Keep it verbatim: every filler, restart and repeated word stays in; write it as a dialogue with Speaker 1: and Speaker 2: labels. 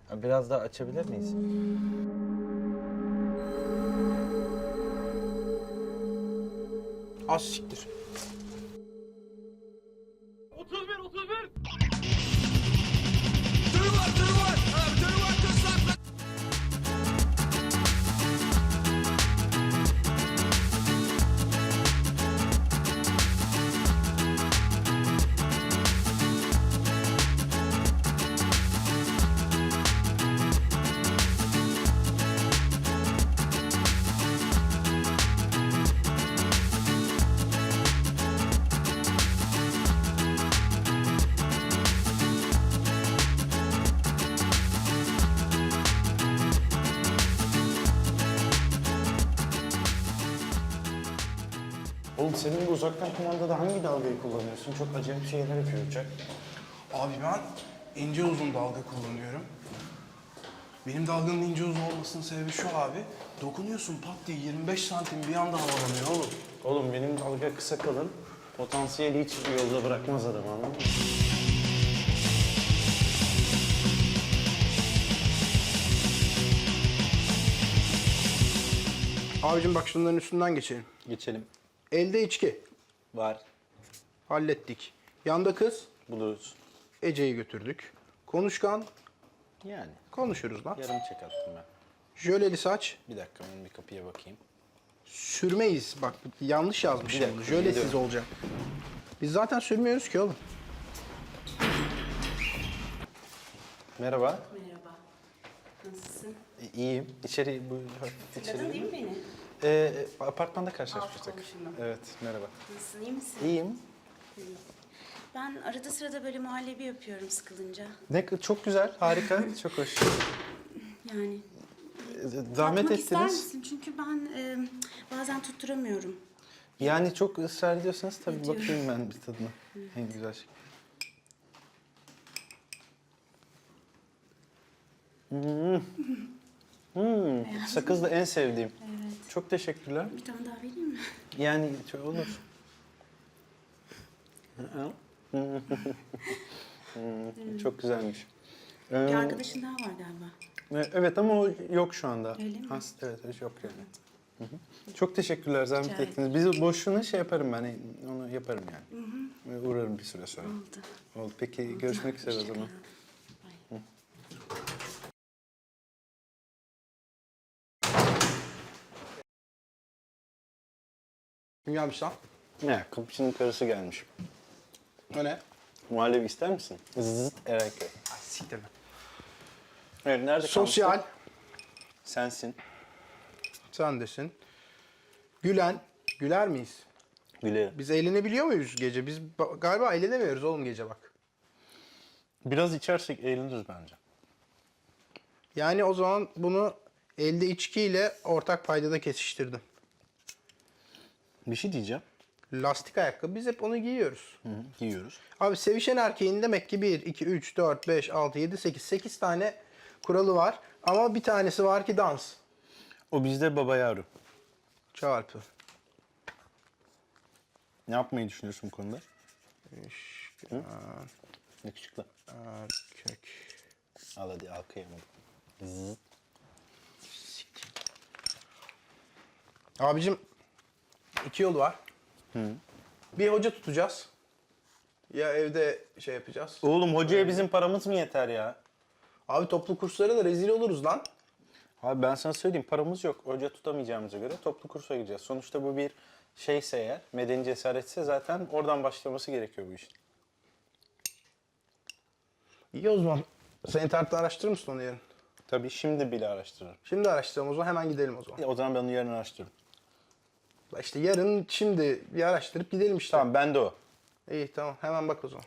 Speaker 1: Biraz daha açabilir miyiz?
Speaker 2: Az siktir.
Speaker 3: otuz bir otuz bir.
Speaker 4: Oğlum senin bu uzaktan kumandada hangi dalgayı kullanıyorsun? Çok acayip şeyler yapıyor uçak.
Speaker 2: Abi ben ince uzun dalga kullanıyorum. Benim dalganın ince uzun olmasının sebebi şu abi. Dokunuyorsun pat diye yirmi beş santim bir anda havalanıyor oğlum.
Speaker 4: Oğlum benim dalga kısa kalın. Potansiyeli hiç yolda bırakmaz adam, anladın mı?
Speaker 2: Abicim bak şunların üstünden geçelim.
Speaker 4: Geçelim.
Speaker 2: Elde içki.
Speaker 4: Var.
Speaker 2: Hallettik. Yanda kız.
Speaker 4: Buluruz.
Speaker 2: Ece'yi götürdük. Konuşkan.
Speaker 4: Yani.
Speaker 2: Konuşuruz lan.
Speaker 4: Yarım çek attım ben.
Speaker 2: Jöleli saç.
Speaker 4: Bir dakika ben bir kapıya bakayım.
Speaker 2: Sürmeyiz. Bak yanlış yazmışım.
Speaker 4: Bir dakika,
Speaker 2: Jölesiz
Speaker 4: biliyorum.
Speaker 2: olacak. Biz zaten sürmüyoruz ki oğlum.
Speaker 4: Merhaba.
Speaker 5: Merhaba. Nasılsın?
Speaker 4: İyiyim. İçeri bu içeri.
Speaker 5: Hatırladın değil mi beni?
Speaker 4: Ee, apartmanda karşılaşmıştık.
Speaker 5: Alt komşunum.
Speaker 4: Evet, merhaba.
Speaker 5: Nasılsın, iyi misin?
Speaker 4: İyiyim.
Speaker 5: Ben arada sırada böyle muhallebi yapıyorum sıkılınca.
Speaker 4: Ne çok güzel, harika, çok hoş.
Speaker 5: Yani
Speaker 4: Zahmet
Speaker 5: tatmak ister
Speaker 4: ettiniz.
Speaker 5: misin? Çünkü ben e, bazen tutturamıyorum.
Speaker 4: Yani çok ısrar ediyorsanız tabii
Speaker 5: Ediyorum.
Speaker 4: bakayım ben bir tadına. En güzel şey. Hmm. Hmm. Sakız da en sevdiğim.
Speaker 5: Evet.
Speaker 4: Çok teşekkürler.
Speaker 5: Bir tane daha vereyim mi?
Speaker 4: Yani çok olur. Hmm, çok güzelmiş.
Speaker 5: Bir
Speaker 4: Ee,
Speaker 5: arkadaşın daha var galiba.
Speaker 4: evet ama o yok şu anda.
Speaker 5: Öyle mi?
Speaker 4: Has, evet, evet, yok yani. Hı hı. Çok teşekkürler, zahmet
Speaker 5: Rica
Speaker 4: ettiniz. Biz boşuna şey yaparım ben, onu yaparım yani. Hı hı. Uğrarım bir süre sonra.
Speaker 5: Oldu.
Speaker 4: Oldu. Peki görüşmek üzere o zaman.
Speaker 5: Bay.
Speaker 2: Kim gelmiş lan?
Speaker 4: Ne? Kapıcının karısı gelmiş.
Speaker 2: O ne?
Speaker 4: Muhallebi ister misin? Zıt Erenköy.
Speaker 2: Ay siktir lan.
Speaker 4: Evet, nerede
Speaker 2: Sosyal.
Speaker 4: kalmıştık? Sensin.
Speaker 2: Sen desin. Gülen. Güler miyiz?
Speaker 4: Gülerim.
Speaker 2: Biz eğlenebiliyor muyuz gece? Biz ba- galiba eğlenemiyoruz oğlum gece bak.
Speaker 4: Biraz içersek eğleniriz bence.
Speaker 2: Yani o zaman bunu elde içkiyle ortak paydada kesiştirdim.
Speaker 4: Bir şey diyeceğim.
Speaker 2: Lastik ayakkabı biz hep onu giyiyoruz.
Speaker 4: Hı hı, giyiyoruz.
Speaker 2: Abi sevişen erkeğin demek ki bir, iki, üç, dört, beş, altı, yedi, sekiz. sekiz tane kuralı var. Ama bir tanesi var ki dans.
Speaker 4: O bizde baba yavru.
Speaker 2: Çarpı.
Speaker 4: Ne yapmayı düşünüyorsun bu konuda?
Speaker 2: İşte,
Speaker 4: Yakışıklı.
Speaker 2: erkek.
Speaker 4: Al hadi, al kıyamadım. Zıt.
Speaker 2: Abicim iki yol var. Bir hoca tutacağız. Ya evde şey yapacağız.
Speaker 4: Oğlum hocaya bizim paramız mı yeter ya?
Speaker 2: Abi toplu kurslara da rezil oluruz lan.
Speaker 4: Abi ben sana söyleyeyim, paramız yok. Hoca tutamayacağımıza göre toplu kursa gideceğiz. Sonuçta bu bir şeyse eğer, medeni cesaretse zaten oradan başlaması gerekiyor bu işin.
Speaker 2: İyi o zaman. Sen internette araştırır mısın onu yarın?
Speaker 4: Tabii şimdi bile araştırırım.
Speaker 2: Şimdi araştıralım o zaman, hemen gidelim o zaman.
Speaker 4: Ya, o zaman ben onu yarın araştırırım.
Speaker 2: İşte yarın şimdi bir araştırıp gidelim işte.
Speaker 4: Tamam, ben de o.
Speaker 2: İyi tamam, hemen bak o zaman.